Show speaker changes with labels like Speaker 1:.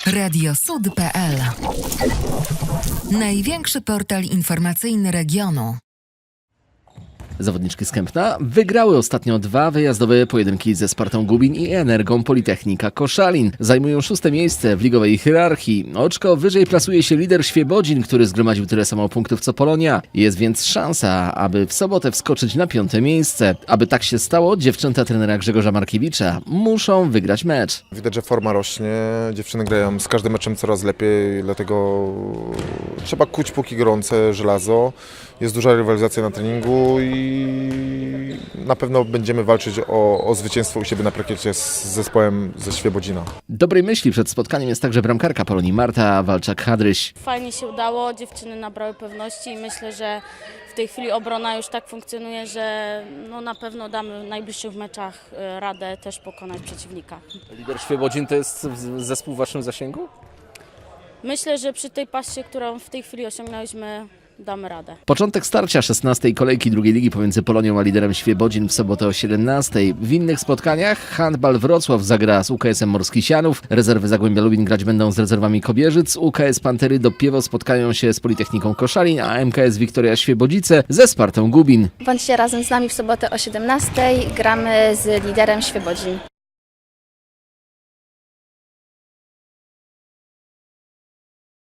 Speaker 1: Radiosud.pl. Największy portal informacyjny regionu.
Speaker 2: Zawodniczki z Kępna wygrały ostatnio 2 wyjazdowe pojedynki ze Spartą Gubin i Energą Politechnika Koszalin. Zajmują 6. miejsce w ligowej hierarchii. Oczko wyżej plasuje się lider Świebodzin, który zgromadził tyle samo punktów co Polonia. Jest więc szansa, aby w sobotę wskoczyć na 5. miejsce. Aby tak się stało, dziewczęta trenera Grzegorza Markiewicza muszą wygrać mecz.
Speaker 3: Widać, że forma rośnie, dziewczyny grają z każdym meczem coraz lepiej, dlatego trzeba kuć póki gorące żelazo. Jest duża rywalizacja na treningu i na pewno będziemy walczyć o zwycięstwo u siebie na parkiecie z zespołem ze Świebodzina.
Speaker 2: Dobrej myśli przed spotkaniem jest także bramkarka Polonii Marta Walczak-Hadryś.
Speaker 4: Fajnie się udało, dziewczyny nabrały pewności i myślę, że w tej chwili obrona już tak funkcjonuje, że na pewno damy w najbliższych meczach radę też pokonać przeciwnika.
Speaker 5: Lider Świebodzin to jest zespół w waszym zasięgu?
Speaker 4: Myślę, że przy tej pasie, którą w tej chwili osiągnęliśmy, damy radę.
Speaker 2: Początek starcia 16. kolejki drugiej ligi pomiędzy Polonią a liderem Świebodzin w sobotę o 17. W innych spotkaniach Handbal Wrocław zagra z UKS-em Morski Sianów, rezerwy Zagłębia Lubin grać będą z rezerwami Kobierzyc, UKS Pantery Dobpiewo spotkają się z Politechniką Koszalin, a MKS Wiktoria Świebodzice ze Spartą Gubin.
Speaker 6: Bądźcie razem z nami w sobotę o 17:00. Gramy z liderem Świebodzin.